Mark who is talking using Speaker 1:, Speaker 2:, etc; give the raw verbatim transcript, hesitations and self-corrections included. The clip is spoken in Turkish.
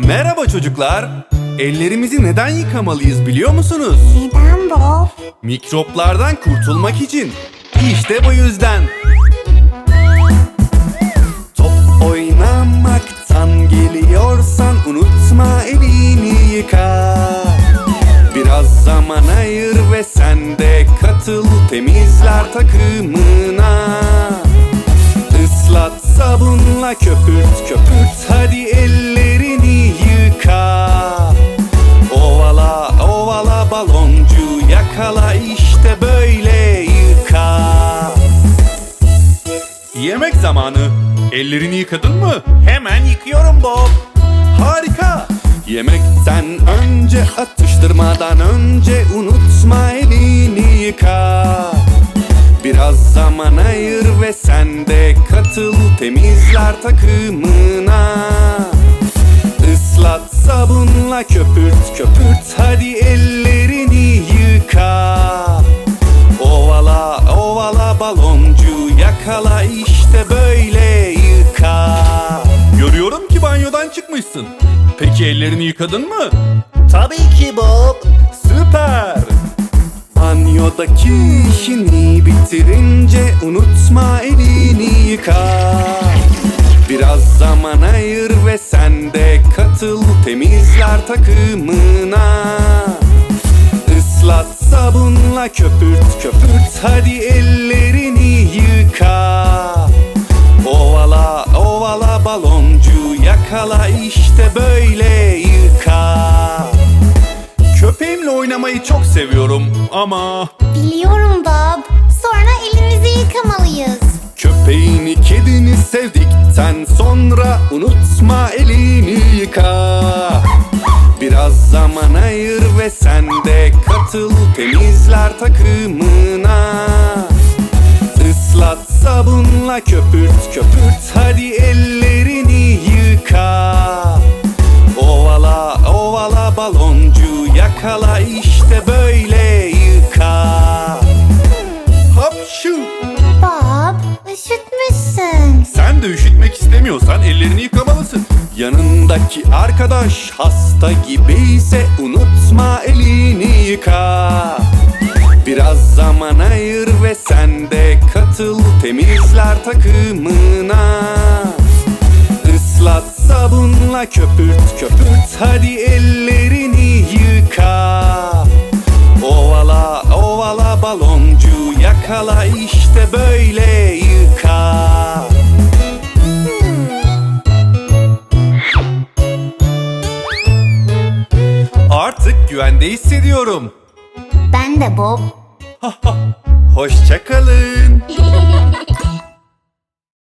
Speaker 1: Merhaba çocuklar. Ellerimizi neden yıkamalıyız biliyor musunuz?
Speaker 2: Neden Bob?
Speaker 1: Mikroplardan kurtulmak için. İşte bu yüzden. Top oynamaktan geliyorsan unutma elini yıka. Biraz zaman ayır ve sen de katıl temizler takımına. Islat sabunla köpürt köpürt hadi ellerini yıka. Ovala ovala baloncu yakala işte böyle yıka. Yemek zamanı. Ellerini yıkadın mı? Hemen yıkıyorum Bob. Harika. Yemekten önce atıştırmadan önce unutma elini yıka. Biraz zaman ayır ve sen de katıl temizler takımına. Islat sabunla köpürt köpürt hadi ellerini yıka. Ovala ovala baloncu yakala işte böyle yıka. Görüyorum ki banyodan çıkmışsın. Peki ellerini yıkadın mı?
Speaker 3: Tabii ki Bob.
Speaker 1: Süper! Banyodaki işini bitirince unutma elini yıka. Biraz zaman ayır ve sen de katıl temizler takımına. Islat sabunla köpürt köpürt hadi ellerini yıka. Ovala ovala baloncu yakala işte böyle yıka. Köpeğimle oynamayı çok seviyorum ama
Speaker 2: Biliyorum Bob. Sonra elimizi yıkamalıyız.
Speaker 1: köpeğini kedini sevdikten sonra unutma elini yıka. Biraz zaman ayır ve sen de katıl temizler takımına. Islat sabunla köpürt köpürt hadi ellerini yıka. Ovala ovala baloncu yakala işte böyle yıka. Hapşu!
Speaker 2: Bob, üşütmüşsün.
Speaker 1: Sen de üşütmek istemiyorsan ellerini yıkamalısın. Yanındaki arkadaş hasta gibiyse unutma elini yıka. Biraz zaman ayır ve sen de katıl temizler takımına. Islat sabunla köpürt köpürt hadi ellerini yıka. Ovala ovala baloncu yakala işte böyle yıka. Artık güvende hissediyorum.
Speaker 2: Ben de Bob.
Speaker 1: Hoşça kalın.